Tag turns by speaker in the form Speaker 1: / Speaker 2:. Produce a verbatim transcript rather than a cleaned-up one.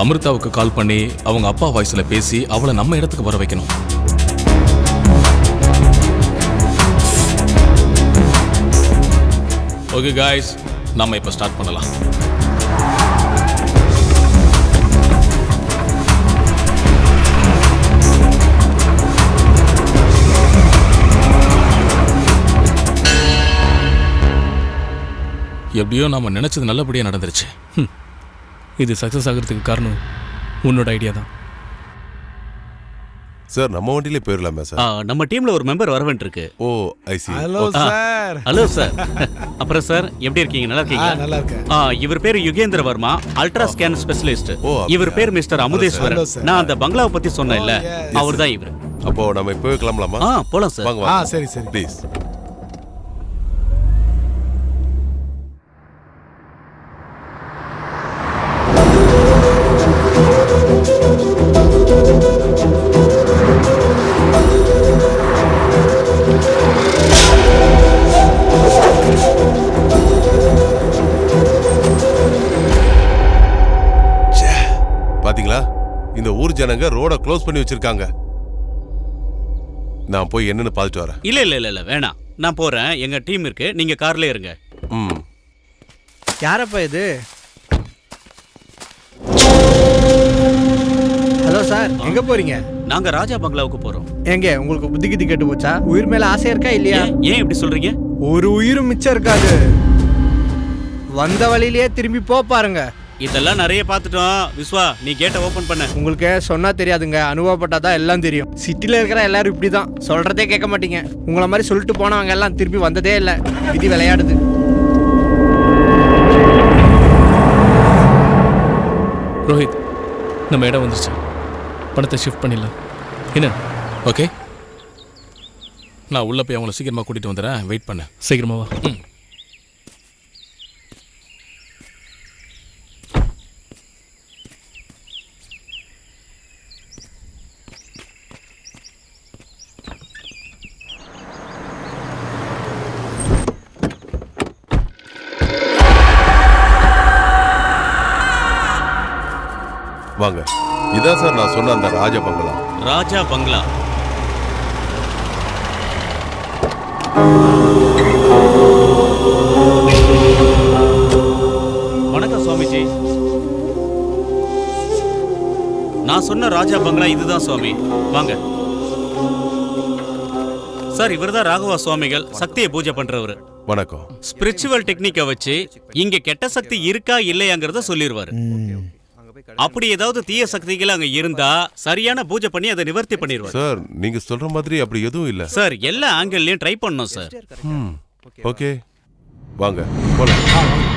Speaker 1: அமிர்தாவுக்கு கால் பண்ணி அவங்க அப்பா வாய்ஸ்ல பேசி அவளை நம்ம இடத்துக்கு வர வைக்கணும். ஓகே காய்ஸ், நம்ம இப்ப ஸ்டார்ட் பண்ணலாம். எப்படியோ நாம நினைச்சது நல்லபடியா நடந்துருச்சு.
Speaker 2: இது சக்சஸ் ஆகிறதுக்கு காரணம் உன்னோட ஐடியா தான்
Speaker 3: சார். நம்ம வண்டியிலே போயிடலாமே சார்?
Speaker 4: நம்ம டீம்ல ஒரு மெம்பர் வர வேண்டியிருக்கு.
Speaker 3: Oh I see.
Speaker 5: Hello sir.
Speaker 4: Hello sir. அப்புறம் சார் எப்படி இருக்கீங்க? நல்லா இருக்கீங்க?
Speaker 5: நல்லா இருக்கேன்.
Speaker 4: இவர் பேர் Yugendra Varma, ultra scan specialist. இவர் பேர் மிஸ்டர் அமுதேஸ்வரன். நான் அந்த பங்களாவை பத்தி சொன்னேன் இல்ல, அவர் தான் இவர்.
Speaker 3: அப்போ நம்ம இப்பவே கிளம்பலாமா?
Speaker 4: ஆ போலாம் சார்.
Speaker 3: வாங்க
Speaker 5: ஆ
Speaker 3: வாங்க.
Speaker 5: சரி சரி
Speaker 3: ப்ளீஸ். பாத்தீங்களா, இந்த ஊர் ஜனங்க ரோட க்ளோஸ் பண்ணி வச்சிருக்காங்க. நான் போய் என்னன்னு பார்த்துட்டு வரேன்.
Speaker 4: இல்ல இல்ல இல்ல இல்ல வேணாம், நான் போறேன். எங்க டீம் இருக்கு, நீங்க கார்ல இருங்க.
Speaker 3: ம்.
Speaker 6: யாரப்பா இது? ஹலோ சார், எங்க போறீங்க?
Speaker 4: நாங்க ராஜா பங்களாவுக்கு போறோம்.
Speaker 6: எங்க உங்களுக்கு புத்தி கித்தி கெட்டு போச்சா? உயிர் மேல ஆசை இருக்கா இல்லையா?
Speaker 4: ஏன் இப்படி சொல்றீங்க?
Speaker 6: ஒரு உயிரும் மிச்சம் இருக்காது. வந்த வழியிலேயே திரும்பி போ பாருங்க.
Speaker 4: இதெல்லாம் நிறைய பார்த்துட்டோம். விஸ்வா, நீ கேட்டை ஓபன் பண்ண.
Speaker 6: உங்களுக்கு சொன்னா தெரியாதுங்க, அனுபவப்பட்டாதான் எல்லாம் தெரியும். சிட்டில இருக்கிற எல்லாரும் இப்படிதான், சொல்றதே கேட்க மாட்டீங்க. உங்களை மாதிரி சொல்லிட்டு போனவங்க எல்லாம் திரும்பி வந்ததே இல்லை. விதி விளையாடுது.
Speaker 2: ரோஹித், நம்ம இடம் வந்துருச்சு. பணத்தை ஷிஃப்ட் பண்ணிடலாம். என்ன?
Speaker 1: ஓகே, நான் உள்ள போய் அவங்கள சீக்கிரமா கூட்டிட்டு வந்துடுறேன். வெயிட் பண்ண.
Speaker 2: சீக்கிரமா வா.
Speaker 1: ம்.
Speaker 3: வாங்க. இதான் சார் நான் சொன்ன அந்த ராஜா பங்களா.
Speaker 4: ராஜா பங்களா. வணக்கம் சுவாமிஜி. நான் சொன்ன ராஜா பங்களா இதுதான் சுவாமி. வாங்க சார். இவர்தான் ராகவா சுவாமிகள், சக்தியை பூஜை பண்றவர்.
Speaker 3: வணக்கம்.
Speaker 4: ஸ்பிரிச்சுவல் டெக்னிக்கை வச்சு இங்க கெட்ட சக்தி இருக்கா இல்லையாங்கிறத சொல்லிடுவாரு. அப்படி ஏதாவது தீய சக்திகள் அங்க இருந்தா சரியான பூஜை பண்ணி அதை நிவர்த்தி பண்ணிடுவார்.
Speaker 3: சார் நீங்க சொல்ற மாதிரி அப்படி எதுவும் இல்ல
Speaker 4: சார். எல்லா ஆங்கிள்லயும் ட்ரை பண்ணோம் சார்.
Speaker 3: ஓகே வாங்க போலாம்.